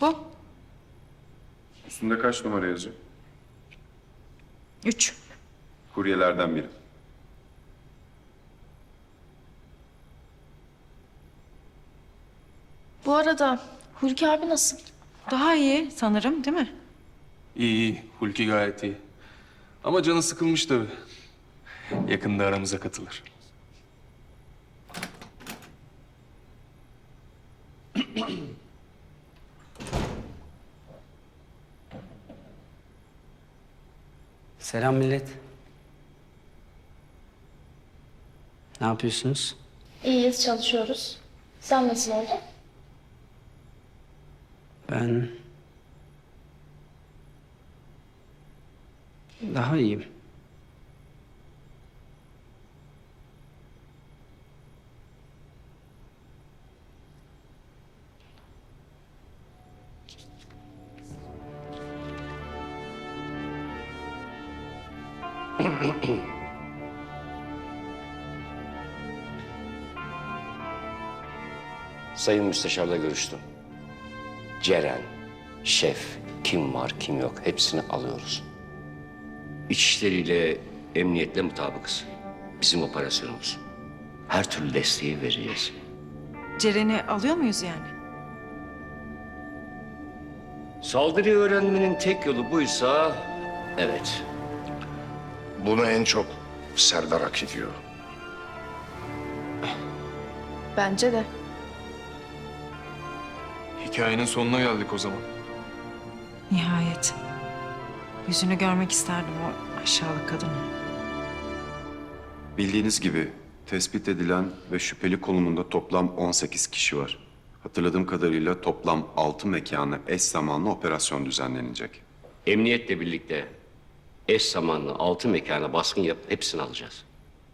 Bu. Üstünde kaç numara yazıyor? 3. Kuryelerden biri. Bu arada Hulki abi nasıl? Daha iyi sanırım değil mi? İyi iyi. Hulki gayet iyi. Ama canı sıkılmış tabii. Yakında aramıza katılır. Selam millet. Ne yapıyorsunuz? İyiyiz, çalışıyoruz. Sen nasıl oldun? Ben... Daha iyiyim. Sayın Müsteşar'la görüştüm. Ceren, şef, kim var kim yok hepsini alıyoruz. İçişleriyle, emniyetle mutabıkız. Bizim operasyonumuz. Her türlü desteği vereceğiz. Ceren'i alıyor muyuz yani? Saldırıyı öğrenmenin tek yolu buysa evet. Bunu en çok Serdar hak ediyor. Bence de. Hikayenin sonuna geldik o zaman. Nihayet. Yüzünü görmek isterdim o aşağılık kadını. Bildiğiniz gibi tespit edilen ve şüpheli konumunda toplam 18 kişi var. Hatırladığım kadarıyla toplam 6 mekana eş zamanlı operasyon düzenlenecek. Emniyetle birlikte eş zamanlı 6 mekana baskın yapıp hepsini alacağız.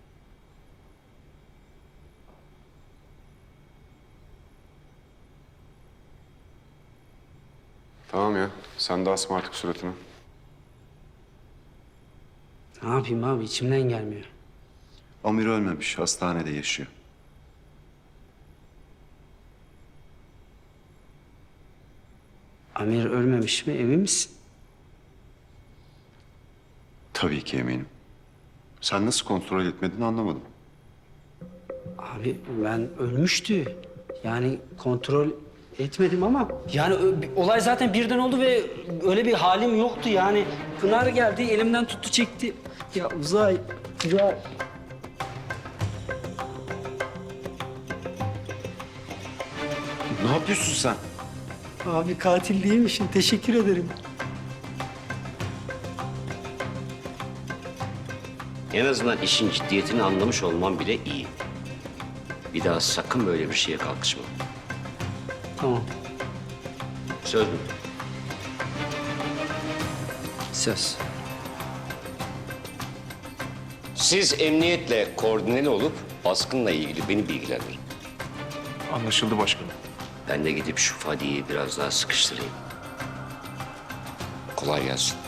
Tamam ya, sen de asma artık suratını. Ne yapayım abi içimden gelmiyor. Amir ölmemiş, hastanede yaşıyor. Amir ölmemiş mi emin misin? Tabii ki eminim. Sen nasıl kontrol etmedin anlamadım. Abi ben ölmüştü. Yani kontrol etmedim ama... Yani olay zaten birden oldu ve öyle bir halim yoktu yani. Pınar geldi elimden tuttu çekti. Ya Uzay. Ne yapıyorsun sen? Abi katil değilmişim teşekkür ederim. En azından işin ciddiyetini anlamış olman bile iyi. Bir daha sakın böyle bir şeye kalkışma. Tamam Söz mü? söz. Siz emniyetle koordineli olup baskınla ilgili beni bilgilendirin. Anlaşıldı başkanım. Ben de gidip şu Fadi'yi biraz daha sıkıştırayım. Kolay gelsin.